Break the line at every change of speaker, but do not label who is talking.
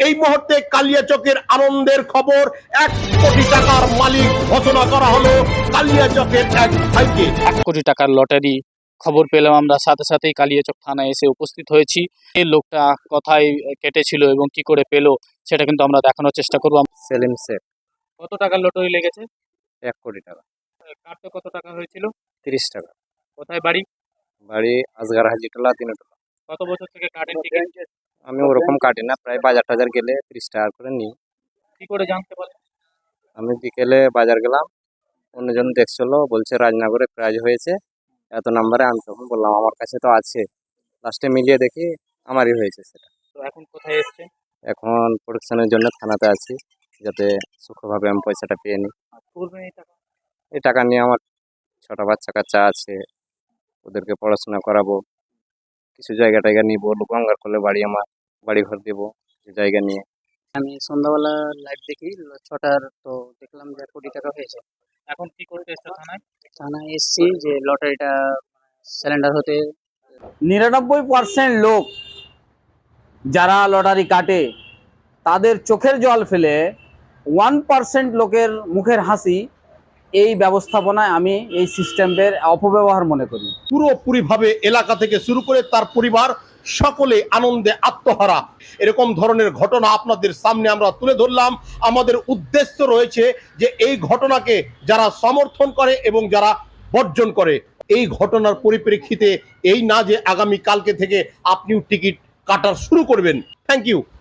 এই মুহূর্তে কালিয়াচকের আনন্দের খবর, 1 কোটি টাকার মালিক ঘোষণা করা হলো কালিয়াচকের এক ভাইকে।
1 কোটি টাকার লটারি খবর পেলাম আমরা, সাথে সাথেই কালিয়াচক থানায় এসে উপস্থিত হয়েছি। এই লোকটা কোথায় কেটেছিল এবং কি করে পেলো সেটা কিন্তু আমরা দেখানোর চেষ্টা করব।
সেলিম শেখ।
কত টাকার লটারি লেগেছে?
1 কোটি টাকা।
কাটতে কত টাকা হয়েছিল?
30 টাকা।
কোথায় বাড়ি?
বাড়ি আজগার হাজিটোলা 3টোলা।
কত বছর থেকে কাটেন টিকিট?
আমি ওরকম কাটি না, প্রায় বাজার টাজার গেলে 30 টাকা করে নিই।
কি করে জানতে পারলেন?
আমি বিকেলে বাজার গেলাম, অন্যজন দেখছিল, বলছে রাজনগরে প্রাইজ হয়েছে এত নাম্বারে। আমি তখন বললাম আমার কাছে তো আছে, লাস্টে মিলিয়ে দেখি আমারই হয়েছে সেটা।
তো এখন কোথায় এসছেন?
এখন প্রোটেকশনের জন্য থানাতে আছি, যাতে সুখভাবে আমি পয়সাটা পেয়ে নিই।
করবেন এই টাকা?
এই টাকা নিয়ে আমার 6টা বাচ্চা কাচ্চা আছে, ওদেরকে পড়াশোনা করাবো, কিছু জায়গা টায়গা নিবো, গঙ্গার কোলে বাড়ি, আমার বাড়ি ঘর দেবো জায়গা নিয়ে।
আমি সন্ধ্যাবেলা লাইভ দেখি 6টার, তো দেখলাম যে 1 কোটি টাকা হয়েছে।
এখন কি করতে এসছে থানায়?
থানায় এসছি যে লটারিটা সিলিন্ডার হতে
99% লোক যারা লটারি কাটে তাদের চোখের জল ফেলে 1% লোকের মুখের হাসি এই ব্যবস্থাপনায় আমি এই সিস্টেমের অপব্যবহার মনে করি।
পুরোপুরিভাবে এলাকা থেকে শুরু করে তার পরিবার সকলে আনন্দে আত্মহারা। এরকম ধরনের ঘটনা আপনাদের সামনে আমরা তুলে ধরলাম। আমাদের উদ্দেশ্য রয়েছে যে এই ঘটনাকে যারা সমর্থন করে এবং যারা বর্জন করে, এই ঘটনার পরিপ্রেক্ষিতে এই না যে আগামী কালকে থেকে আপনিও টিকিট কাটা শুরু করবেন। Thank you.